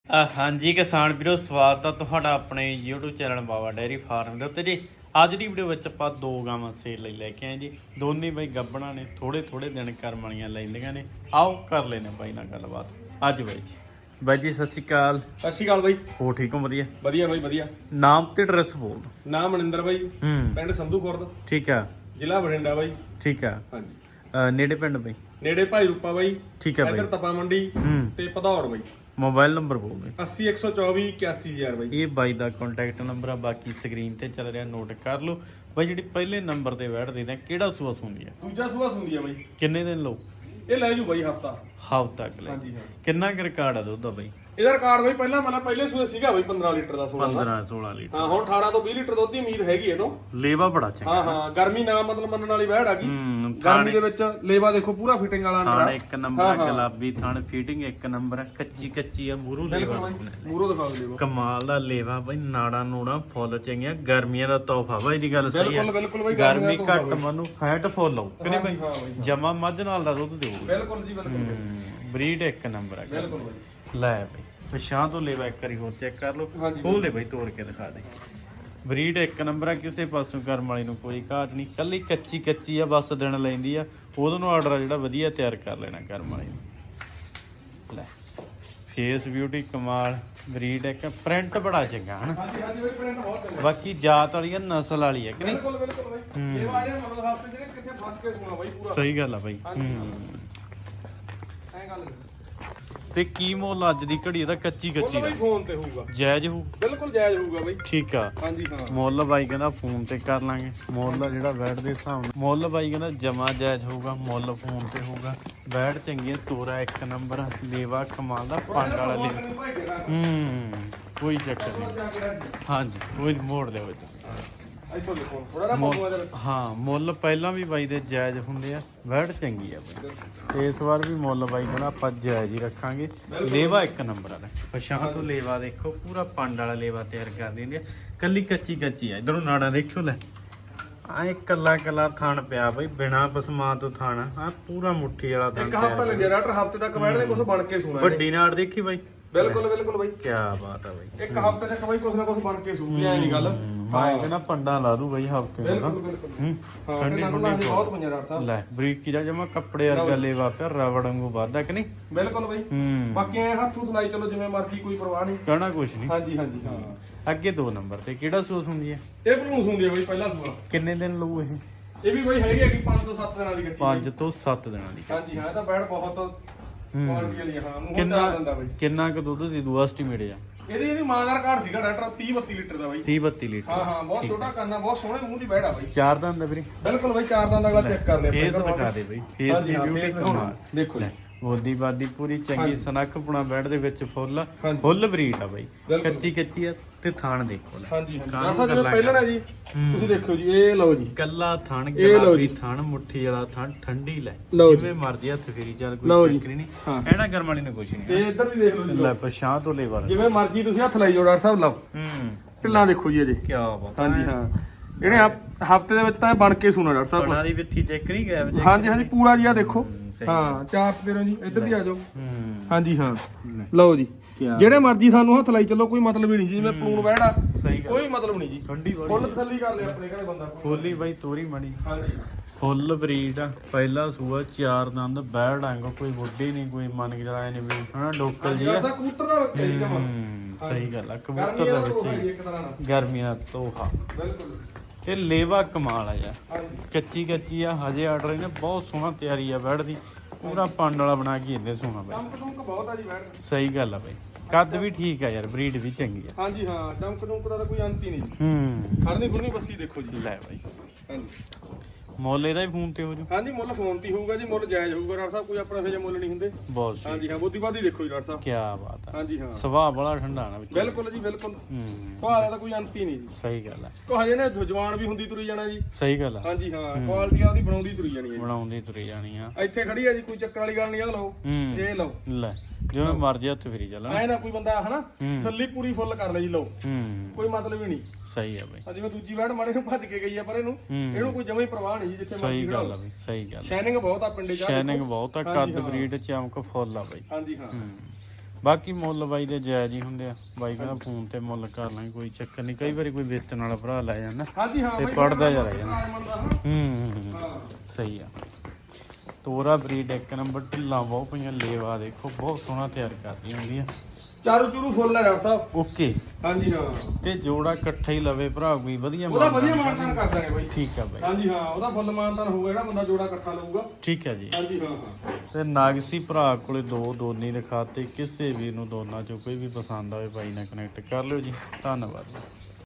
ਹਾਂਜੀ ਕਿਸਾਨ ਵੀਰੋ, ਸਵਾਗਤ ਆ ਤੁਹਾਡਾ ਆਪਣੇ YouTube channel Bawa dairy farm ਦੇ ਉੱਤੇ ਜੀ। ਅੱਜ ਦੀ ਵੀਡੀਓ ਵਿੱਚ ਆਪਾਂ ਦੋ ਗਾਵਾਂ ਸੇਲ ਲਈ ਲੈ ਕੇ ਆਏ ਜੀ। ਦੋਨੇ ਬਾਈ ਗੱਭਣਾ ਨੇ, ਥੋੜੇ ਦਿਨ ਕਰਮ ਵਾਲੀਆਂ ਲੈਂਦੀਆਂ ਨੇ। ਆਓ ਕਰ ਲੈਨੇ ਬਾਈ ਨਾਲ ਗੱਲਬਾਤ। ਅੱਜ ਬਾਈ ਜੀ, ਬਾਈ ਜੀ ਸਤਿ ਸ਼੍ਰੀ ਅਕਾਲ। ਸਤਿ ਸ਼੍ਰੀ ਅਕਾਲ ਬਾਈ। ਹੋ ਠੀਕ ਹੋ? ਵਧੀਆ ਵਧੀਆ ਬਾਈ ਵਧੀਆ। ਨਾਮ ਤੇ ਐਡਰੈਸ ਬੋਲ ਦਿਓ। ਨਾਮ ਮਨਿੰਦਰ ਬਾਈ, ਪਿੰਡ ਸੰਧੂ ਖੁਰਦ, ਠੀਕ ਆ, ਜ਼ਿਲ੍ਹਾ ਬਠਿੰਡਾ ਬਾਈ। ਠੀਕ ਆ। ਹਾਂਜੀ, ਨੇੜੇ ਪਿੰਡ ਬਾਈ? ਨੇੜੇ ਭਾਈ ਰੂਪਾ ਬਾਈ, ਠੀਕ ਆ ਬਾਈ। ਇੱਧਰ ਤਪਾ ਮੰਡੀ ਤੇ ਭਦੌੜ ਬਾਈ। ਮੋਬਾਈਲ ਨੰਬਰ ਬੋਲ ਦੇ। 80 124 81000 ਬਾਈ। ਇਹ ਬਾਈ ਦਾ ਕੰਟੈਕਟ ਨੰਬਰ ਆ, ਬਾਕੀ ਸਕਰੀਨ ਤੇ ਚੱਲ ਰਿਹਾ, ਨੋਟ ਕਰ ਲਓ ਬਾਈ। ਜਿਹੜੀ ਪਹਿਲੇ ਨੰਬਰ ਤੇ ਬੈਠਦੇ ਨੇ, ਕਿਹੜਾ ਸੂਆ ਸੁਣਦੀ ਆ? ਦੂਜਾ ਸੂਆ ਸੁੰਦੀ ਆ ਬਾਈ। ਕਿੰਨੇ ਦਿਨ ਲਓ? ਇਹ ਲੈ ਜੂ ਬਾਈ ਹਫਤਾ ਤੱਕ ਲੈ। ਹਾਂਜੀ ਹਾਂ। ਕਿੰਨਾ ਕੁ ਰਿਕਾਰਡ ਆ ਦੁੱਧ ਦਾ ਬਾਈ? ਇਹਦਾ ਰਿਕਾਰਡ ਬਾਈ ਪਹਿਲਾਂ ਮਤਲਬ ਪਹਿਲੇ ਸੂਏ ਸੀਗਾ ਬਾਈ 15 ਲੀਟਰ ਦਾ, 15-16 ਲੀਟਰ। ਹਾਂ, ਹੁਣ 18 ਤੋਂ 20 ਲੀਟਰ ਦੁੱਧ ਦੀ ਉਮੀਦ ਹੈਗੀ ਇਹ ਤੋਂ। ਲੇਵਾ ਬੜਾ ਚੰਗਾ। ਹਾਂ, ਗਰਮੀ ਨਾ ਮਤਲਬ ਮੰਨਣ ਵਾਲੀ ਵਹਿੜ ਆ ਗਈ। ਗਰਮੀ ਦੇ ਵਿੱਚ ਲੇਵਾ ਦੇਖੋ ਪੂਰਾ ਫਿਟਿੰਗ ਵਾਲਾ ਥਾਣ ਇੱਕ ਨੰਬਰ, ਗੁਲਾਬੀ ਥਾਣ, ਫੀਟਿੰਗ ਇੱਕ ਨੰਬਰ, ਕੱਚੀ ਆ ਮੂਰੂ ਲੇਵਾ। ਮੂਰੋ ਦਿਖਾਓ ਲੇਵਾ, ਕਮਾਲ ਦਾ ਲੇਵਾ ਬਾਈ। ਨਾੜਾ ਨੂੜਾ ਫੁੱਲ ਚੰਗੀਆਂ, ਗਰਮੀਆਂ ਦਾ ਤੋਹਫਾ ਬਾਈ ਦੀ ਗੱਲ ਸਹੀ ਹੈ। ਬਿਲਕੁਲ ਬਾਈ, ਗਰਮੀ ਘੱਟ ਮਨੂੰ, ਫੈਟ ਫੁੱਲ ਆਉ ਕਿ ਨਹੀਂ ਬਾਈ? ਜਮਾ ਮੱਝ ਨਾਲ ਦਾ ਦੁੱਧ ਦਿਓ। ਬਿਲਕੁਲ ਜੀ ਬਿਲਕੁਲ। ਬਰੀਡ ਇੱਕ ਨੰਬਰ ਆ। ਬਿਲਕੁਲ ਬਾਈ। ਲੈ ਬਾਈ ਪਛਾਂ ਤੋਂ ਲੇਵਾ ਇੱਕ ਵਾਰੀ ਹੋਰ ਚੈੱਕ ਕਰ ਲਓ। ਖੋਲ ਦੇ ਬਾਈ, ਤੋੜ ਕੇ ਦਿਖਾ ਦੇ। ਬਰੀਡ ਇੱਕ ਨੰਬਰ ਆ, ਕਿਸੇ ਪਾਸੋਂ ਕਰਮ ਵਾਲੀ ਨੂੰ ਕੋਈ ਘਾਟ ਨਹੀਂ। ਕੱਲੀ ਕੱਚੀ ਆ, ਬਸ ਦਿਨ ਲੈਂਦੀ ਆ। ਉਹਦੋਂ ਨੂੰ ਆਰਡਰ ਆ ਜਿਹੜਾ ਵਧੀਆ ਤਿਆਰ ਕਰ ਲੈਣਾ ਕਰਮ ਵਾਲੀ ਨੂੰ। ਲੈ ਫੇਸ ਬਿਊਟੀ ਕਮਾਲ, ਬਰੀਡ ਇੱਕ, ਪ੍ਰਿੰਟ ਬੜਾ ਚੰਗਾ ਹਨ। ਹਾਂਜੀ ਬਾਈ, ਪ੍ਰਿੰਟ ਬਹੁਤ ਚੰਗਾ। ਬਾਕੀ ਜਾਤ ਵਾਲੀ ਆ, ਨਸਲ ਵਾਲੀ ਆ ਕਿ ਨਹੀਂ? ਬਿਲਕੁਲ ਬਾਈ। ਇਹ ਵਾਜੇ ਮਤਲਬ ਹਫਤੇ ਜਿਹੜੇ ਕਿੱਥੇ ਫਸ ਕੇ ਸੋਣਾ ਬਾਈ ਪੂਰਾ। ਸਹੀ ਗੱਲ ਆ ਬਾਈ। ਐ ਗੱਲ ਤੇ ਕੀ ਮੁੱਲ ਅੱਜ ਦੀ ਘੜੀ ਇਹਦਾ? ਕੱਚੀ ਬਾਈ ਦਾ ਫੋਨ ਤੇ ਹੋਊਗਾ, ਜਾਇਜ਼ ਹੋਊ? ਬਿਲਕੁਲ ਜਾਇਜ਼ ਹੋਊਗਾ ਬਾਈ। ਠੀਕ ਆ। ਹਾਂਜੀ ਹਾਂ। ਮੁੱਲ ਬਾਈ ਕਹਿੰਦਾ ਫੋਨ ਤੇ ਕਰ ਲਾਂਗੇ। ਮੁੱਲ ਜਿਹੜਾ ਬੈਠ ਦੇ ਹਿਸਾਬ ਨਾਲ ਮੁੱਲ ਬਾਈ ਕਹਿੰਦਾ ਜਮਾ ਜਾਇਜ਼ ਹੋਊਗਾ। ਮੁੱਲ ਫੋਨ ਤੇ ਹੋਊਗਾ। ਬੈਠ ਚੰਗੀ, ਤੋਰਾ ਇੱਕ ਨੰਬਰ, ਲੇਵਾ ਕਮਾਲ ਦਾ, ਪੰਡ ਵਾਲਾ ਲੇਵਾ। ਕੋਈ ਚੱਕਰ ਨਹੀਂ। ਹਾਂਜੀ, ਕੋਈ ਮੋੜ ਲਿਓ। ਇੱਥੋਂ ਦੇਖੋ ਥੋੜਾ ਨਾ ਪਾਉਗਾ ਜਰ। ਹਾਂ, ਮੁੱਲ ਪਹਿਲਾਂ ਵੀ ਬਾਈ ਦੇ ਜਾਇਜ਼ ਹੁੰਦੇ ਆ। ਬੈਠ ਚੰਗੀ ਆ ਬਾਈ, ਤੇ ਇਸ ਵਾਰ ਵੀ ਮੁੱਲ ਬਾਈ ਕਹਿੰਦਾ ਆਪਾਂ ਜਾਇਜ਼ ਹੀ ਰੱਖਾਂਗੇ। ਲੇਵਾ ਇੱਕ ਨੰਬਰ ਆ। ਪਛਾਂ ਤੋਂ ਲੇਵਾ ਦੇਖੋ, ਪੂਰਾ ਪੰਡ ਵਾਲਾ ਲੇਵਾ ਤਿਆਰ ਕਰ ਦਿੰਦੇ ਆ। ਕੱਲੀ ਕੱਚੀ ਆ। ਇਧਰੋਂ ਨਾੜਾ ਦੇਖਿਓ। ਲੈ ਆਹ ਕੱਲਾ ਥਣ ਪਿਆ ਬਾਈ, ਬਿਨਾ ਪਸਮਾ ਤੋਂ ਥਣ ਆ, ਪੂਰਾ ਮੁੱਠੀ ਵਾਲਾ ਥਣ। ਇੱਕ ਹਫਤਾ ਲੱਗਿਆ ਡਾਕਟਰ, ਹਫਤੇ ਤੱਕ ਬੈਠਦੇ ਕੁਝ ਬਣ ਕੇ ਸੂਣਾ। ਵੱਡੀ ਨਾੜ ਦੇਖੀ ਬਾਈ? ਬਿਲਕੁਲ ਬਾਈ। ਕੀ ਬਾਤ ਆ ਬਾਈ। ਇੱਕ ਹਫਤੇ ਤੱਕ ਬਾਈ ਕੁਝ ਨਾ ਕੁਝ ਬਣ ਕੇ ਸੂਗੀ, ਐ ਨਹੀਂ ਗੱਲ। ਮੈਂ ਕਹਿੰਦਾ ਪੰਡਾ ਲਾ ਦੂ ਬਾਈ ਹਫਤੇ ਦਾ। ਬਿਲਕੁਲ। ਹਾਂ, ਠੰਡੀ ਬਹੁਤ ਪੰਜਾ ਡਾਕਟਰ ਸਾਹਿਬ। ਲੈ ਬਰੀਕੀ ਦਾ ਜਮਾ ਕੱਪੜੇ ਵਰਗਾ ਲੇਵਾ ਪਿਆ, ਰਬੜ ਵਾਂਗੂ ਵੱਧਦਾ ਕਿ ਨਹੀਂ? ਬਿਲਕੁਲ ਬਾਈ। ਬਾਕੀ ਐ ਹੱਥੋਂ ਸੁਣਾਈ ਚਲੋ ਜਿਵੇਂ ਮਰਜ਼ੀ, ਕੋਈ ਪਰਵਾਹ ਨਹੀਂ, ਕਹਿਣਾ ਕੁਛ ਨਹੀਂ। ਹਾਂਜੀ ਹਾਂ। ਅੱਗੇ 2 ਨੰਬਰ ਤੇ ਕਿਹੜਾ ਸੂਸ ਹੁੰਦੀ ਹੈ? ਇਹ ਭਲੂਸ ਹੁੰਦੀ ਹੈ ਬਾਈ, ਪਹਿਲਾ ਸੂਆ। ਕਿੰਨੇ ਦਿਨ ਲਊ ਇਹ? ਇਹ ਵੀ ਬਾਈ ਹੈਗੀ 5 ਤੋਂ 7 ਦਿਨਾਂ ਦੀ ਕੱਚੀ। 5 ਤੋਂ 7 ਦਿਨਾਂ ਦੀ। ਹਾਂਜੀ ਹਾਂ, ਇਹ ਤਾਂ ਬੈਡ ਬਹੁਤ ਕੁਆਲਿਟੀ ਵਾਲੀ ਆ। ਹਾਂ, ਮੂੰਹ ਚਾਹ ਦਿੰਦਾ ਬਾਈ। ਕਿੰਨਾ ਕੁ ਦੁੱਧ ਦੀ ਦੂ ਐਸਟੀਮੇਟ ਆ? ਇਹਦੀ ਮਾਂ ਦਾ ਰਿਕਾਰਡ ਸੀਗਾ ਡਾਕਟਰ 30-32 ਲੀਟਰ ਦਾ ਬਾਈ। 30-32 ਲੀਟਰ। ਹਾਂ, ਬਹੁਤ ਛੋਟਾ ਕਰਨਾ, ਬਹੁਤ ਸੋਹਣੇ ਮੂੰਹ ਦੀ ਬੈਡ ਆ ਬਾਈ। 4 ਦੰਦ ਵੀਰੇ? ਬਿਲਕੁਲ ਬਾਈ, 4 ਦੰਦ ਅਗਲਾ ਚੈੱਕ ਕਰ ਲਿਆ। ਫੇਸ ਦਿਖਾ ਦੇ ਬਾਈ, ਫੇਸ ਦੀ ਬਿਊਟੀ ਕਮਾਲ। ਦੇਖੋ ਜੀ, ਬੋਦੀ ਬਾਦੀ ਪੂਰੀ ਚੰਗੀ, ਸਨੱਖ ਪੁਣਾ ਬੈਡ ਦੇ ਵਿੱਚ ਫੁੱਲ ਬਰੀਡ ਆ ਬਾਈ। ਕੱਚੀ ਆ ਤੇ ਥਾਣ ਦੇਖੋ। ਲੈ ਹਾਂਜੀ ਡਾਕਟਰ ਸਾਹਿਬ ਜਿਵੇਂ ਪਹਿਲਾਂ ਨਾ ਜੀ, ਤੁਸੀਂ ਦੇਖਿਓ ਜੀ, ਇਹ ਲਓ ਜੀ, ਕੱਲਾ ਥਣ, ਗੁਲਾਬੀ ਥਣ, ਮੁੱਠੀ ਵਾਲਾ ਥਣ, ਠੰਡੀ। ਲੈ ਜਿਵੇਂ ਮਰਜ਼ੀ ਹੱਥ ਫੇਰੀ ਚੱਲ, ਕੋਈ ਚੱਕਰ ਨਹੀਂ। ਐਨਾ ਗਰਮ ਵਾਲੀ ਨੇ ਕੁਛ ਨਹੀਂ। ਤੇ ਇੱਧਰ ਵੀ ਦੇਖ ਲਓ ਜੀ, ਲੈ ਪਛਾਂ ਤੋਂ ਲੇਵਾ ਜਿਵੇਂ ਮਰਜ਼ੀ ਤੁਸੀਂ ਹੱਥ ਲਾਈ ਜਾਓ ਡਾਕਟਰ ਸਾਹਿਬ। ਲਓ ਢਿੱਲਾਂ ਦੇਖੋ ਜੀ ਅਜੇ। ਕੀ ਬਾਤ। ਹਾਂਜੀ ਹਾਂ, ਇਹਨੇ ਹਫਤੇ ਦੇ ਵਿੱਚ ਤਾਂ ਬਣ ਕੇ ਸੁਣਾ ਡਾਕਟਰ ਸਾਹਿਬ। ਬਣਾ ਦੀ ਵਿੱਥੀ ਚੈੱਕ ਨਹੀਂ ਗਿਆ? ਹਾਂਜੀ ਪੂਰਾ ਜੀ, ਆ ਦੇਖੋ। ਹਾਂ, 4 ਸਪੇਰੋਂ ਜੀ, ਇੱਧਰ ਦੀ ਆ ਜਾਓ। ਹਾਂਜੀ ਹਾਂ, ਲਓ ਜੀ, ਜਿਹੜੇ ਮਰਜ਼ੀ ਸਾਨੂੰ ਹੱਥ ਲਾਈ ਚੱਲੋ, ਕੋਈ ਮਤਲਬ ਹੀ ਨਹੀਂ ਜੀ। ਜਿਵੇਂ ਪਲੂਣ ਬੈੜਾ, ਕੋਈ ਮਤਲਬ ਨਹੀਂ ਜੀ। ਠੰਡੀ ਫੁੱਲ ਤਸੱਲੀ ਕਰ ਲਿਆ ਆਪਣੇ ਘਰੇ ਬੰਦਾ। ਖੋਲੀ ਬਾਈ ਤੋਰੀ ਮਣੀ। ਹਾਂਜੀ, ਫੁੱਲ ਬਰੀਡ ਆ, ਪਹਿਲਾ ਸੂਆ, 4 ਦੰਦ, ਬੈੜ ਆਂਗੋ, ਕੋਈ ਵੱਡੀ ਨਹੀਂ, ਕੋਈ ਮਨ ਕੇ ਚਲਾਇਆ ਨਹੀਂ ਵੀ ਹਨਾ, ਡੋਕਲ ਜੀ ਆ। ਕਬੂਤਰ ਦਾ ਬੱਚਾ ਜੀ ਜਮਾ। ਸਹੀ ਗੱਲ ਆ, ਕਬੂਤਰ ਦਾ ਬੱਚਾ ਹੀ, ਗਰਮੀਆਂ ਦਾ ਤੋਹਫਾ। ਬਿਲਕੁਲ। ਤੇ ਲੇਵਾ ਕਮਾਲ ਆ ਯਾਰ, ਕੱਚੀ ਆ। ਹਜੇ ਆਰਡਰ ਇਹਨੇ ਬਹੁਤ ਸੋਹਣਾ ਤਿਆਰੀ ਆ ਬੈੜ ਦੀ, ਪੂਰਾ ਪੰਡ ਵਾਲਾ ਬਣਾ ਕੇ ਇਹਨੇ ਸੋਹਣਾ ਬਾਈ। ਚਮਕ ਬਹੁਤ ਆ ਜੀ ਬੈੜ। ਸਹੀ ਗੱਲ ਆ ਬਾਈ, ਕੱਦ ਵੀ ਠੀਕ ਆ ਯਾਰ, ਬਰੀਡ ਵੀ ਚੰਗੀ ਆ। ਹਾਂਜੀ ਹਾਂ, ਚਮਕ ਦਾ ਤਾਂ ਕੋਈ ਅੰਤ ਹੀ ਨਹੀਂ। ਖੜਨੀ ਖੁਰਨੀ ਬੱਸੀ ਦੇਖੋ ਜੀ। ਲੈ ਬਾਈ, ਹਾਂਜੀ, ਮੁੱਲ ਇਹਦਾ ਵੀ ਫੋਨ ਤੇ ਹੋ ਜੂ? ਹਾਂਜੀ, ਮੁੱਲ ਫੋਨ ਤੇ ਹੋਊਗਾ ਜੀ। ਮੁੱਲ ਜਾਇਜ਼ ਹੋਊਗਾ ਡਾਕਟਰ ਸਾਹਿਬ, ਕੋਈ ਆਪਣਾ ਇਹੋ ਜਿਹਾ ਮੁੱਲ ਨਹੀਂ ਹੁੰਦੇ। ਬਹੁਤ ਸਹੀ। ਹਾਂਜੀ ਹਾਂ, ਬੋਦੀ ਬਾਦੀ ਦੇਖੋ ਜੀ ਡਾਕਟਰ ਸਾਹਿਬ। ਕੀ ਬਾਤ ਆ। ਹਾਂਜੀ ਹਾਂ, ਸੁਭਾਅ ਬੜਾ ਠੰਡਾ ਨਾ ਵਿੱਚ। ਬਿਲਕੁਲ ਜੀ ਬਿਲਕੁਲ। ਸੁਭਾਅ ਦਾ ਤਾਂ ਕੋਈ ਅੰਤ ਹੀ ਨਹੀਂ ਜੀ। ਸਹੀ ਗੱਲ ਆ। ਕੋ ਹਜੇ ਨੇ ਜਵਾਨ ਵੀ ਹੁੰਦੀ ਤੁਰੀ ਜਾਣਾ ਜੀ। ਸਹੀ ਗੱਲ ਆ। ਹਾਂਜੀ ਹਾਂ, ਕੁਆਲਿਟੀ ਆਦੀ ਬਣਾਉਂਦੀ ਤੁਰੀ ਜਾਣੀ ਹੈ। ਬਣਾਉਂਦੀ ਤੁਰੀ ਜਾਣੀ ਆ। ਇੱਥੇ ਖੜੀ ਆ ਜੀ, ਕੋਈ ਚੱਕਰ ਵਾਲੀ ਗੱਲ ਨਹੀਂ। ਆ ਲਓ, ਇਹ ਲਓ। ਲੈ ਜਿਵੇਂ ਮਰਜ਼ੀ ਹੱਥ ਫੇਰੀ ਚੱਲਣਾ। ਐ ਨਾ ਕੋਈ ਬੰਦਾ ਹਨਾ ਸੱਲੀ ਪੂਰੀ ਫੁੱਲ ਕਰ ਲੈ ਜੀ। ਲਓ, ਕੋਈ ਮਤਲਬ ਹੀ ਨਹੀਂ। ਸਹੀ ਆ ਬਾਈ। ਜਿਵੇਂ ਦੂਜੀ ਵੈੜ ਮਾੜੇ ਨੂੰ ਭੱਜ ਕੇ ਗਈ ਆ, ਪਰ ਇਹਨੂੰ ਕੋਈ ਜਮਾ ਹੀ ਪ੍ਰਵਾਹ ਨਹੀਂ ਜੀ। ਜਿੱਥੇ ਸਹੀ ਗੱਲ ਆ ਬਾਈ, ਸਹੀ ਗੱਲ। ਸ਼ਾਈਨਿੰਗ ਬਹੁਤ ਆ ਪਿੰਡੇ ਚ। ਸ਼ਾਈਨਿੰਗ ਬਹੁਤ ਆ, ਕੱਦ ਬਰੀਡ ਚਮਕ ਫੁੱਲ ਆ ਬਾਈ। ਹਾਂਜੀ ਹਾਂ, ਬਾਕੀ ਮੁੱਲ ਬਾਈ ਦੇ ਜਾਇਜ਼ ਹੀ ਹੁੰਦੇ ਆ। ਬਾਈ ਕਹਿੰਦਾ ਫੋਨ ਤੇ ਮੁੱਲ ਕਰ ਲਾਂਗੇ, ਕੋਈ ਚੱਕਰ ਨਹੀਂ। ਕਈ ਵਾਰੀ ਕੋਈ ਵੇਚਣ ਵਾਲਾ ਭਰਾ ਲੈ ਜਾਂਦਾ ਹਾਂਜੀ ਹਾਂ ਤੇ ਬਾਈ ਪੜਦਾ ਜਾ ਜਾਂਦਾ। ਹਾਂ ਸਹੀ ਆ। ਤੋਰਾ ਬਰੀਡ ਇੱਕ ਨੰਬਰ, ਢਿੱਲਾਂ ਬਹੁਤ ਪਈਆਂ, ਲੇਵਾ ਦੇਖੋ ਬਹੁਤ ਸੋਹਣਾ ਤਿਆਰ ਕਰਦੀ ਹੁੰਦੀ ਆ। ਚਾਰੂ ਚੂਰੂ ਫੁੱਲ ਹੈ ਡਾਕਟਰ ਸਾਹਿਬ। ਓਕੇ ਹਾਂਜੀ ਹਾਂ ਤੇ ਜੋੜਾ ਇਕੱਠਾ ਹੀ ਲਵੇ ਭਰਾ ਕੋਈ ਵਧੀਆ ਉਹਦਾ ਵਧੀਆ ਮਾਨਤਾਨ ਕਰ ਦਾਂਗੇ ਬਾਈ। ਠੀਕ ਆ ਬਾਈ। ਹਾਂਜੀ ਹਾਂ ਉਹਦਾ ਫੁੱਲ ਮਾਨਤਾਨ ਹੋਊਗਾ ਜਿਹੜਾ ਬੰਦਾ ਜੋੜਾ ਇਕੱਠਾ ਲਊਗਾ। ਠੀਕ ਹੈ ਜੀ। ਹਾਂਜੀ ਹਾਂ ਹਾਂ ਤੇ ਨਾਗਸੀ ਭਰਾ ਕੋਲੇ ਦੋ ਦੋਨੀ ਦਿਖਾਤੇ, ਕਿਸੇ ਵੀ ਨੂੰ ਦੋਨਾਂ ਚੋਂ ਕੋਈ ਵੀ ਪਸੰਦ ਆਵੇ ਬਾਈ ਨਾਲ ਕਨੈਕਟ ਕਰ ਲਿਓ ਜੀ। ਧੰਨਵਾਦ।